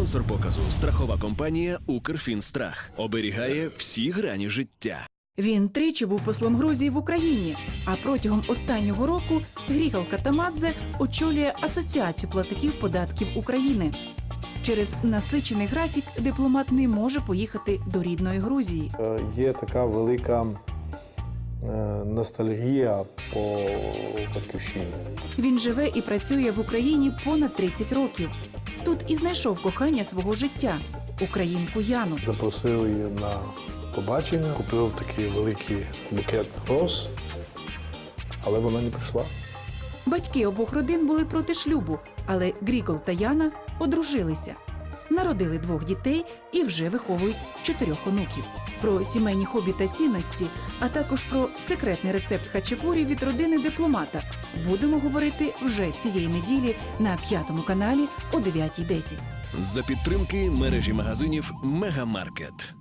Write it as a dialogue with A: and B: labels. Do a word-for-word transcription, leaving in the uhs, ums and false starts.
A: Спонсор показу – страхова компанія «Укрфінстрах». Оберігає всі грані життя.
B: Він тричі був послом Грузії в Україні, а протягом останнього року Грігол Катамадзе очолює Асоціацію платників податків України. Через насичений графік дипломат не може поїхати до рідної Грузії.
C: Е, Є така велика е, ностальгія по батьківщині.
B: Він живе і працює в Україні понад тридцять років. Тут і знайшов кохання свого життя – українку Яну.
C: Запросили її на побачення, купив такий великий букет роз, але вона не прийшла.
B: Батьки обох родин були проти шлюбу, але Грігол та Яна одружилися. Народили двох дітей і вже виховують чотирьох онуків. Про сімейні хобі та цінності, а також про секретний рецепт хачапурі від родини дипломата будемо говорити вже цієї неділі на п'ятому каналі о дев'ятій десять.
A: За підтримки мережі магазинів «Мегамаркет».